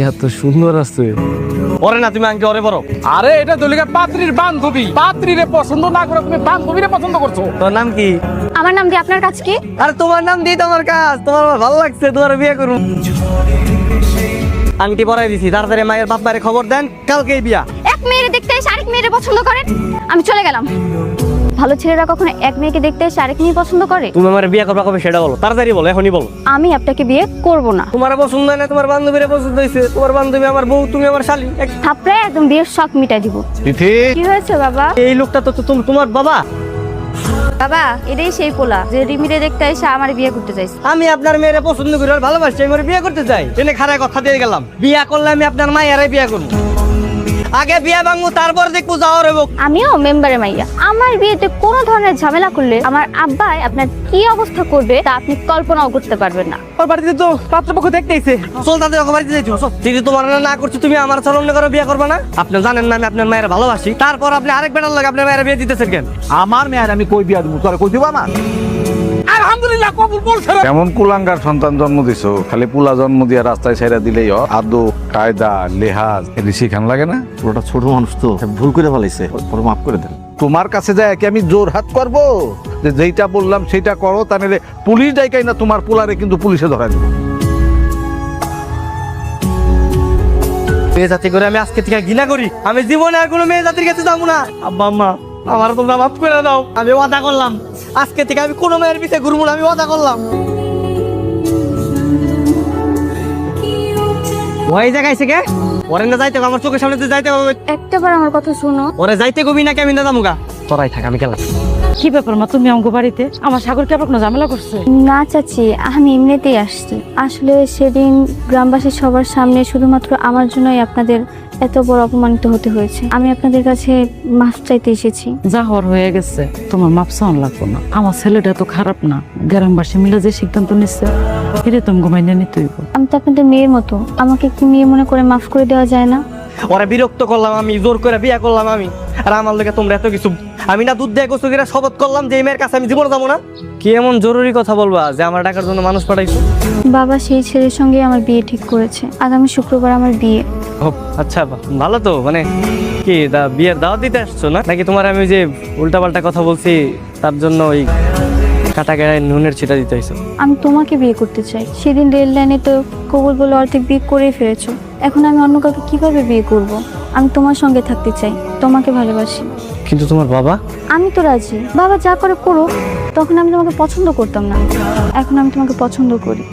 এত সুন্দর আছে। ওরে না তুমি আঙ্কে ওরে বড়। আরে এটা দলিকা পাত্রীর বান্ধবী, পাত্রীরে পছন্দ না করে তুমি বান্ধবীরে পছন্দ করছো। তোর নাম কি? আমার নাম দিয়ে আপনার কাজ কি? আরে তোমার নাম দিয়ে তোমার কাজ। তোমার আমার ভালো লাগছে, তোমার বিয়ে করুন। আংটি পরাই দিছি, তাড়াতাড়ি মায়ের বাপ মায়ের খবর দেন, কালকেই বিয়া। এক মেয়েরে দেখতে এসে আরেক মেয়েরে পছন্দ করেন? আমি চলে গেলাম। ভালো ছেলেরা কখনো এক মেয়েকে দেখতে এসে আরেক মেয়ে পছন্দ করে? তুমি আমার বিয়ে করবা কবে সেটা বলো, তাড়াতাড়ি বলো, এখনই বলো। আমি আপনাকে বিয়ে করব না। তোমার পছন্দ হয় না, তোমার বান্ধবীরে পছন্দ হয়েছে। তোমার বান্ধবী আমার বউ, তুমি আমার শালি। থাপড়ায় একদম বিয়ের শখ মিটাই দিব। তিথি, কি হয়েছে বাবা? এই লোকটা তো তোমার বাবা। বাবা এটাই সেই পোলা যে রিমিরে দেখতে এসে আমার বিয়ে করতে চাইছে। আমি আপনার মেয়েরে পছন্দ করি আর ভালোবাসি, আমি ওরে বিয়ে করতে চাই। এনে খারাপ কথা দিয়ে গেলাম, বিয়া করলে আমি আপনার মায়েরাই বিয়ে করবো। আগে বিয়া ভাঙবো, তারপর দেখবো যাওয়ার হইব। আমিও মেম্বারে মাইয়া। আমার বিয়েতে কোনো ধরনের ঝামেলা করলে আমার আব্বাই আপনার কি অবস্থা করবে তা আপনি কল্পনাও করতে পারবেন না। ওর বাড়িতে তো পাত্রপক্ষ দেখতেইছে। চল তাদের ওকে বাড়িতে যাইছো। যদি তোমার না করছো, তুমি আমার সামনে করে বিয়ে করবে না? আপনি জানেন না আমি আপনার মায়ের ভালোবাসি, তারপর আপনি আরেক বেটার লাগে আপনার মায়ের বিয়ে দিতেছেন কেন? আমার মেয়ের আমি কই বিয়া দেবো, তোরা কই দিব আমার? আলহামদুলিল্লাহ কবুল বলছে। এমন কুলাঙ্গার সন্তান জন্ম দিছো, খালি পুলা জন্ম দিয়া রাস্তায় ছেড়ে দিলেই আদব কায়দা লেহাজ এটি শিখান লাগে না? ওটা ছোট মানুষ তো ভুল করে ফেলাইছে, ওর মাফ করে দেন। তোমার কাছে যায় কি আমি জোর হাত করবো যে যেইটা বললাম সেটা করো, তাহলে পুলিশ ডাইকাই না তোমার পোলারে কিন্তু পুলিশে ধরা দেবে। মেয়ে জাতি করে আমি আজকে থেকে ঘৃণা করি। আমি জীবনে আর কোনো মেয়ে জাতির কাছে যাবো না। আব্বা আম্মা, আমার তোমরা মাফ করে দাও। আমি ওয়াদা করলাম, আজকে থেকে আমি কোনো মেয়ের পিছে ঘুরবো না। আমি ওয়াদা করলাম। ওই জায়গায় কে ওরে না যাইতে হবে, আমার চোখের সামনে দিয়ে যাইতে হবে। একটাবার আমার কথা শুনো। ওরে যাইতে কবি না, আমি না যাবো। তোরাই থাক, আমি গেলাম। কি ব্যাপার মা, তুমি আমাকে বাড়িতে? আমার সাগর কি আপনার কোনো ঝামেলা করছে? না চাচি, আমি এমনিতেই আসছি। আসলে সেদিন গ্রামবাসী সবার সামনে শুধুমাত্র আমার জন্যই আপনাদের এত বড় অপমানিত হতে হয়েছে। আমি আপনাদের কাছে মাফ চাইতে এসেছি। যা হওয়ার হয়ে গেছে, তোমার মাপ চাওয়ান লাগবো না। আমার ছেলেটা তো খারাপ না, গ্রামবাসী মিলে যে সিদ্ধান্ত নিচ্ছে এটা তুমি ঘুমাইনে নিতে হইব। আমি তো আপনাদের মেয়ের মতো, আমাকে কি মেয়ে মনে করে মাফ করে দেওয়া যায় না? ওরা বিরক্ত করলাম, আমি জোর করে বিয়ে করলাম আমি। আর আমার লোকে তোমরা এত কিছু, আমি না দুধ দিয়ে গোসল করে শপথ করলাম যে এই মেয়ের কাছে আমি জীবনে যাবো না। কি এমন জরুরি কথা বলবা যে আমার টাকার জন্য মানুষ পাঠাইছো? বাবা সেই ছেলের সঙ্গে আমার বিয়ে ঠিক করেছে। আগামী শুক্রবার আমার বিয়ে। ও আচ্ছা, ভালো তো। মানে কি বিয়ের দাওয়াত দিতে আসছো না নাকি? তোমার আমি যে উল্টাপাল্টা কথা বলছি তার জন্য ওই কাটা গায়ে নুনের ছিটা দিতে হয়েছে? আমি তোমাকে বিয়ে করতে চাই। সেদিন রেল লাইনে তো কবুল বলে অর্ধেক বিয়ে করেই ফেলেছো। এখন আমি অন্য কাউকে কিভাবে বিয়ে করব? আমি তোমার সঙ্গে থাকতে চাই, তোমাকে ভালোবাসি। কিন্তু তোমার বাবা? আমি তো রাজি। বাবা যা করে করো। তখন আমি তোমাকে পছন্দ করতাম না, এখন আমি তোমাকে পছন্দ করি।